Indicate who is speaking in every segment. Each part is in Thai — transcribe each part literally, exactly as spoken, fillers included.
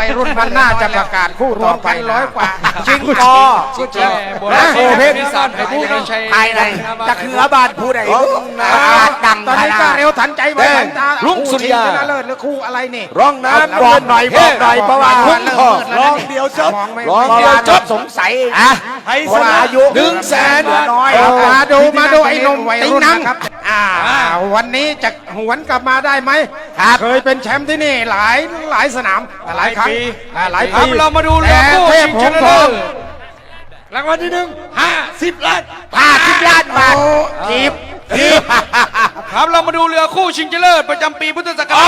Speaker 1: วัยรุ่นมันน่าจะประกาศคู่ต่อไปร้อยกว่าจิงกอจิงกอโอเพนนิสานผู้ชัยภายในตะเขือบานผู้ใดดังตอนนี้ก็เร็วทันใจไว้ทันตารุ่งสุริยาชนะเลิศหรือคู่อะไรนี่
Speaker 2: ร้องน้ำ
Speaker 1: บอกหน่อยบอกหน่อยเพราะว่า
Speaker 2: ร้องเดียวจบ
Speaker 1: ร้องเดียวจบสงสัยอ่ะให้สนาอายุ
Speaker 2: หนึ่งแสน
Speaker 1: น้อยมาดูมาดูไอ้นมติงนังอ่าวันนี้จะหวนกลับมาได้ไหมเคยเป็นแชมป์ที่นี่หลายหลายสนามหลายครั้งหลายปี
Speaker 3: เรามาดูเรือคู่ชิงชนะเลิศ
Speaker 2: รางวัลที่หนึ่งห้าสิบล้าน
Speaker 1: ห้าสิบล้านบาททีบทีบ
Speaker 3: ครับเรามาดูเรือคู่ชิงชนะเลิศประจำปีพุทธศักราช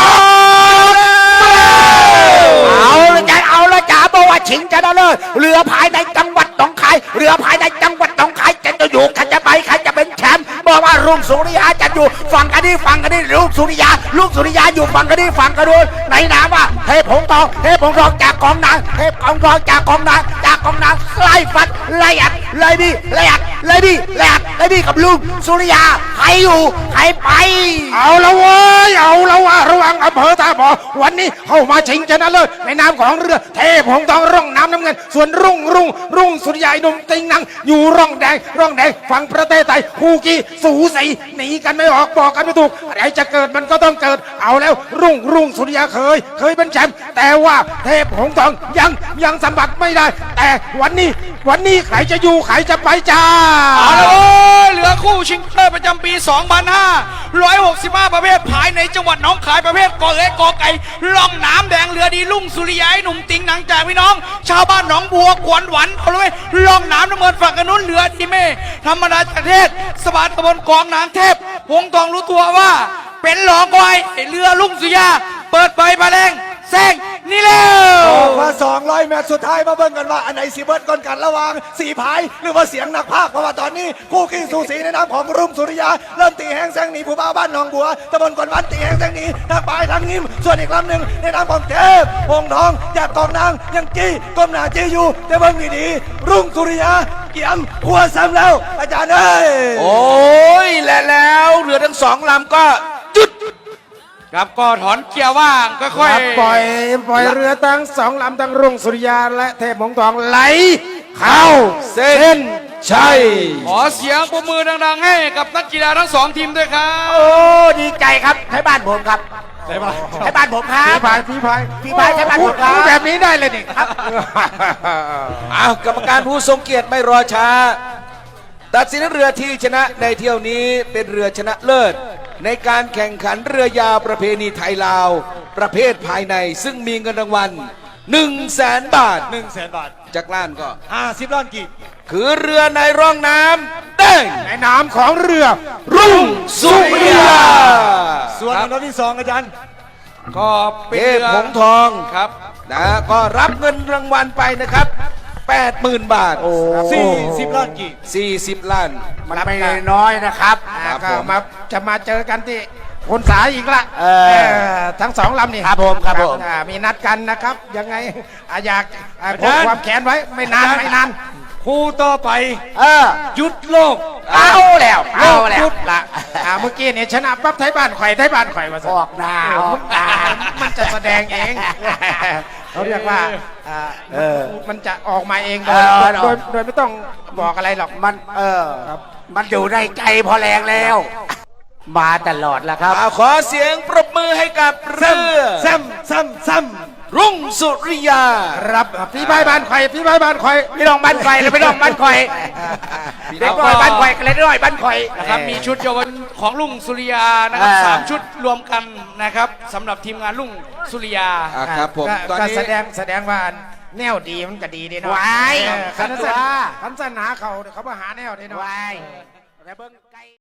Speaker 1: เอาละจ้าเอาละจ้าบอกว่าชิงชนะเลิศเรือภายในจังหวัดหนองคายเรือภายในจังหวัดหนองคายจะจะอยู่ใครจะไปใครจะเป็นแชมป์บอกว่ารุ่งสุริยาจะอยู่ฝั่งกันนี่ฝั่งกันนี่ลูกสุริยาลูกสุริยาอยู่ฝั่งกันนี่ฝั่งกันนู้นในนามว่าเทพหงส์ทองเทพหงส์ทองจากกองนางเทพหงส์ทองจากกองนางจากกองนางไล่ฟัดไล่อัดไล่บี้ไล่อัดไล่บี้ไล่อัดไล่บี้กับลูกสุริยาใครอยู่ใครไปเอาละเว้ยเอาละว่าระวังอำเภอท่าบ่อวันนี้เข้ามาชิงชนะเลิศในนามของเรือเทพหงส์ทองร่องน้ำน้ำเงินส่วนรุ่งรุ่งรุ่งสุริยาหนุ่มติงนังอยู่ร่องแดงร่องแดงฝั่งประเทศไทยคู่กี้สูสีหนีกันไม่ออกบอกกันไม่ถูกอะไรจะเกิดมันก็ต้องเกิดเอาแล้วรุ่งรุ่งสุริยาเคยเคยเป็นแชมป์แต่ว่าเทพหงส์ทองยังยังสัมผัสไม่ได้แต่วันนี้วันนี้ใครจะอยู่ใครจะไปจ้า
Speaker 3: เอาละเรือคู่ชิงชนะเลิศประจำปีสองพันห้าร้อยหกสิบห้าประเภทภายในจังหวัดหนองคายประเภทกอเอ๋กอไก่ล่องน้ำแดงเรือดีลุ่งสุริยาหนุ่มติงหนังจากพี่น้องชาวบ้านหนองบัวกวนหวันเอาเลยล่องน้ำน้ำเงินฝั่งกนุนเรือดีเมธรรมดาจากเทศสบายตะบนกองนางเทพหงทองรู้ตัวว่าเป็นหลองควายเรือลุ่งสุริยาเปิดไปมาแรงแซงนี่แล้ว
Speaker 2: มาสองร้อยเมตรสุดท้ายมาเบิ่งกันว่าอันไหนสีเบิร์ดก่อนกันระหว่างสีพายหรือว่าเสียงนักพากย์เพราะว่าตอนนี้คู่ขี้สูสีในน้ำของรุ่งสุริยาเริ่มตีแห้งแซงหนีผู้บ่าวบ้านหนองบัวตะบนกวนวันตีแห้งแซงหนีทางปลายทางงิ้มส่วนอีกลำหนึ่งในน้ำของเทพหงทองจากกองนางยังจี้ก้มหน้าจี้อยู่แต่เบิ่งดีๆรุ่งสุริยาเกี่ยมหัวซ้ำแล้วอาจารย์เอ้ย
Speaker 1: โอ้ยและแล้วเรือทั้งสองลำก็จุด
Speaker 3: ครับก็ถอนเกียร์ว่างค่อย
Speaker 1: ๆปล่อยปล่อยเรือทั้งสองลำทั้งรุ่งสุริยาและเทพหงส์ทองไหลเข้าเส้นชัย
Speaker 3: ขอเสียงปรบมือดังๆให้กับนักกีฬาทั้งสองทีมด้วยครับ
Speaker 1: โอ้ดีใจครับให้บ้านผมครับให้บ้านผมครับพี่พายพี่พายพี่พายให้บ้านผมครับแบบนี้ได้เลยนี่ครับ
Speaker 2: อ้าวกรรมการผู้ทรงเกียรติไม่รอช้าตัดสินเรือที่ชนะในเที่ยวนี้เป็นเรือชนะเลิศในการแข่งขันเรือยาวประเพณีไทยลาวประเภทภายในซึ่งมีเงินรางวัลหนึ่งแสนบาท
Speaker 3: หนึ่งแสนบาท
Speaker 2: จากล้านก็
Speaker 3: ห้าสิบล้านกีบ
Speaker 2: คือเรือในร่องน้ำแดง
Speaker 1: ในน้ำของเรือ
Speaker 2: รุ่งสุริยา
Speaker 3: ส่วนลำที่สองอาจารย์ก็
Speaker 2: เป็นเรือหงส์ทองครับนะก็รับเงินรางวัลไปนะครับแปดหมื่นบาท
Speaker 3: สี่สิบล้านกีบ
Speaker 2: สี่สิบล้าน
Speaker 1: มันไม่น้อยนะครับก็มาจะมาเจอกันที่คนสายอีกละทั้งสองลำนี่
Speaker 2: ครับผมครับผม
Speaker 1: มีนัดกันนะครับยังไงอยากพกความแขนไว้ไม่นานไม่นาน
Speaker 3: คู่ต่อไปหยุดโลก
Speaker 1: เอาแล้วเอาแล้วละเมื่อกี้เนี่ยชนะปั๊บไทยบ้านข่อยไทยบ้านข่อยมา
Speaker 2: ออกหน้า
Speaker 1: มันจะแสดงเองเขาเรียกว่ามันจะออกมาเองโดยโดยไม่ต้องบอกอะไรหรอกมันเออมันอยู่ในใจพอแรงแล้วมาตลอดแล้วครับ
Speaker 2: ขอเสียงปรบมือให้กับเรือ
Speaker 1: ซ้ำซ้ำซ้ำ
Speaker 2: รุ่งสุริยา
Speaker 1: รับพี่ใบบ้านข่อยพี่ใบบ้านข่อยพี่น้องบ้านข่อยเลยพี่น้องบ้านข่อยเด็กน้อยบ้านข่อยกันเลยน้อยบ้านข่อย
Speaker 3: นะครับมีชุดเยาวชนของรุ่งสุริยานะครับสามชุดรวมกันนะครับสำหรับทีมงานรุ่งสุริยา
Speaker 2: ครับผม
Speaker 1: ตอนนี้แสดงแสดงว่าแนวดีมันก็ดีดีเนาะคันสนาคันสนาเขาเขามาหาแนวดีเนาะ